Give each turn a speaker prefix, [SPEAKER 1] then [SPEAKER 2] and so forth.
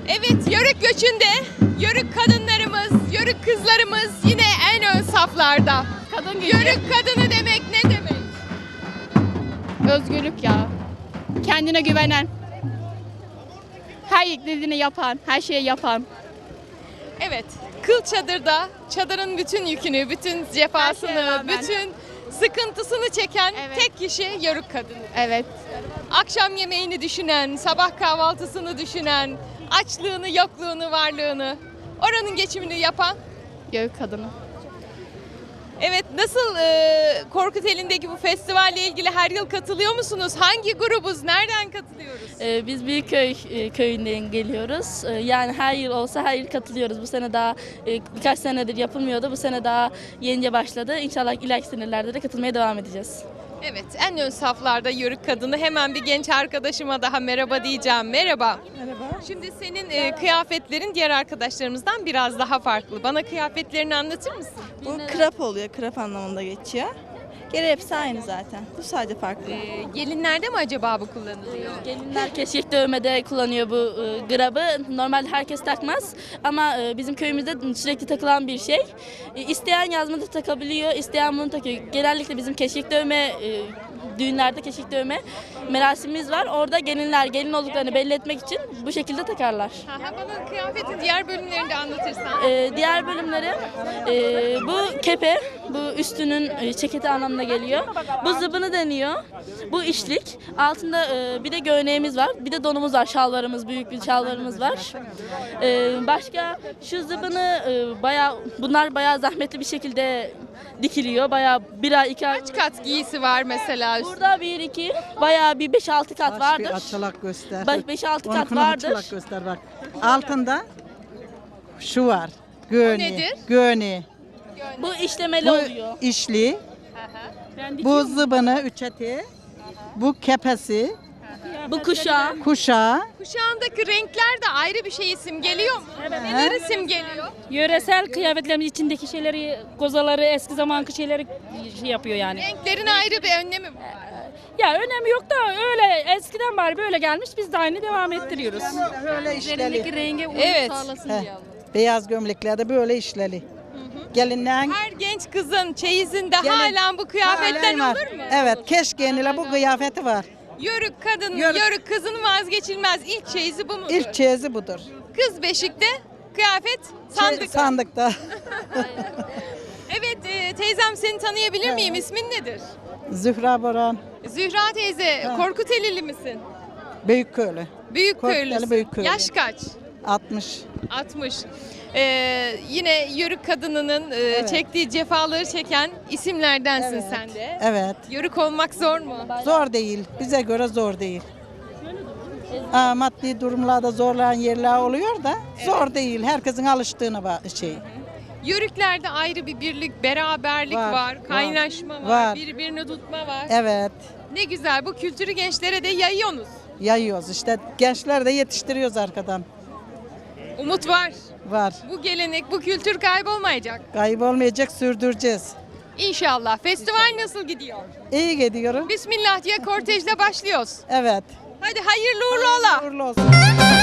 [SPEAKER 1] Evet, Yörük göçünde Yörük kadınlarımız, Yörük kızlarımız yine en ön saflarda.
[SPEAKER 2] Kadın gücü.
[SPEAKER 1] Yörük kadını demek ne demek?
[SPEAKER 2] Özgürlük ya. Kendine güvenen. Her dediğini yapan, her şeyi yapan.
[SPEAKER 1] Evet, kıl çadırda çadırın bütün yükünü, bütün cefasını,
[SPEAKER 2] rağmen.
[SPEAKER 1] bütün sıkıntısını çeken
[SPEAKER 2] Evet.
[SPEAKER 1] tek kişi Yörük kadını.
[SPEAKER 2] Evet.
[SPEAKER 1] Akşam yemeğini düşünen, sabah kahvaltısını düşünen, açlığını, yokluğunu, varlığını, oranın geçimini yapan.
[SPEAKER 2] Yörük kadını.
[SPEAKER 1] Evet, nasıl Korkuteli'ndeki bu festivalle ilgili her yıl katılıyor musunuz? Hangi grubuz? Nereden katılıyoruz?
[SPEAKER 3] Biz Büyükköy köyünden geliyoruz. Yani her yıl olsa her yıl katılıyoruz. Bu sene daha birkaç senedir yapılmıyordu. Bu sene daha yenice başladı. İnşallah ileriki senelerde de katılmaya devam edeceğiz.
[SPEAKER 1] Evet, en ön saflarda Yörük kadını. Hemen bir genç arkadaşıma daha merhaba diyeceğim. Merhaba.
[SPEAKER 4] Merhaba.
[SPEAKER 1] Şimdi senin kıyafetlerin diğer arkadaşlarımızdan biraz daha farklı. Bana kıyafetlerini anlatır mısın?
[SPEAKER 4] Bu krap oluyor, krap anlamında geçiyor. Geri hepsi aynı zaten. Bu sadece farklı.
[SPEAKER 1] Gelinlerde mi acaba bu kullanılıyor?
[SPEAKER 3] Gelinler keşkek dövmede kullanıyor bu grabı. Normalde herkes takmaz ama bizim köyümüzde sürekli takılan bir şey. İsteyen yazmada takabiliyor, isteyen bunu takıyor. Genellikle bizim keşkek dövme düğünlerde keşkek dövme merasimimiz var. Orada gelinler gelin olduklarını belli etmek için bu şekilde takarlar.
[SPEAKER 1] Bana kıyafetin diğer bölümlerini de anlatırsan.
[SPEAKER 3] Diğer bölümleri bu kepe, bu üstünün ceketi anlamına geliyor. Bu zıbını deniyor. Bu işlik. Altında bir de göğneğimiz var. Bir de donumuz var. Şalvarımız, büyük bir şalvarımız var. Başka şu zıbını bunlar bayağı zahmetli bir şekilde dikiliyor. Bayağı bir ay, 2 ay.
[SPEAKER 1] Kaç kat giysi var mesela?
[SPEAKER 3] Burada 1-2, bayağı bir 5-6 kat
[SPEAKER 5] Bir
[SPEAKER 3] vardır.
[SPEAKER 5] açılak göster.
[SPEAKER 3] 5-6 kat
[SPEAKER 5] Onunkunu
[SPEAKER 3] vardır.
[SPEAKER 5] açılak göster bak. Altında şu var. Göğne.
[SPEAKER 1] nedir?
[SPEAKER 5] Göğne.
[SPEAKER 3] Bu işlemeli
[SPEAKER 5] Bu
[SPEAKER 3] oluyor.
[SPEAKER 5] işli. Bu zıbını üçeti. Bu kepesi.
[SPEAKER 3] Bu kuşağı.
[SPEAKER 5] Kuşağı.
[SPEAKER 1] Kuşağındaki renkler de ayrı bir şey simgeliyor mu? Neler simgeliyor?
[SPEAKER 6] Yöresel kıyafetlerin içindeki şeyleri, kozaları, eski zamanki şeyleri şey yapıyor yani.
[SPEAKER 1] Renklerin ayrı bir önlemi var.
[SPEAKER 6] Ya önemi yok da öyle eskiden bari böyle gelmiş biz de aynı devam ettiriyoruz.
[SPEAKER 5] Böyle işleli.
[SPEAKER 2] Rengi uyum
[SPEAKER 1] Evet.
[SPEAKER 2] sağlasın
[SPEAKER 5] Heh.
[SPEAKER 2] diye.
[SPEAKER 5] Beyaz gömleklerde böyle işleli. Gelinlerin
[SPEAKER 1] Her genç kızın çeyizinde
[SPEAKER 5] Gelin.
[SPEAKER 1] halen bu kıyafetten
[SPEAKER 5] halen var.
[SPEAKER 1] olur mu?
[SPEAKER 5] Evet, keşkeğiniyle bu kıyafeti var.
[SPEAKER 1] Yörük kadın,
[SPEAKER 5] Yörük.
[SPEAKER 1] yörük kızın vazgeçilmez ilk çeyizi bu mudur?
[SPEAKER 5] İlk çeyizi budur.
[SPEAKER 1] Kız beşikte, kıyafet sandık.
[SPEAKER 5] Sandıkta.
[SPEAKER 1] Evet teyzem seni tanıyabilir miyim? İsmin nedir?
[SPEAKER 5] Zühra Boran,
[SPEAKER 1] Zühra teyze, Korkutelili misin?
[SPEAKER 5] Büyükköylü.
[SPEAKER 1] Büyükköylüsün.
[SPEAKER 5] Korkuteli Büyükköylü.
[SPEAKER 1] Yaş kaç?
[SPEAKER 5] 60.
[SPEAKER 1] 60. Yine Yörük kadınının çektiği cefaları çeken isimlerdensin
[SPEAKER 5] Evet.
[SPEAKER 1] sen de.
[SPEAKER 5] Evet.
[SPEAKER 1] Yörük olmak zor mu?
[SPEAKER 5] Zor değil. Bize göre zor değil. Maddi durumlarda zorlayan yerler oluyor da zor değil. Herkesin alıştığına şey.
[SPEAKER 1] Yörüklerde ayrı bir birlik, beraberlik var,
[SPEAKER 5] Var,
[SPEAKER 1] kaynaşma var,
[SPEAKER 5] var.
[SPEAKER 1] birbirini tutma var.
[SPEAKER 5] Evet.
[SPEAKER 1] Ne güzel bu kültürü gençlere de yayıyorsunuz.
[SPEAKER 5] Yayıyoruz işte. Gençler de yetiştiriyoruz arkadan.
[SPEAKER 1] Umut var.
[SPEAKER 5] Var.
[SPEAKER 1] Bu gelenek, bu kültür kaybolmayacak.
[SPEAKER 5] Kaybolmayacak, sürdüreceğiz.
[SPEAKER 1] İnşallah. Festival nasıl gidiyor?
[SPEAKER 5] İyi gidiyorum.
[SPEAKER 1] Bismillah diye kortejle başlıyoruz.
[SPEAKER 5] Evet.
[SPEAKER 1] Hadi hayırlı uğurlu ola.
[SPEAKER 5] Uğurlu olsun.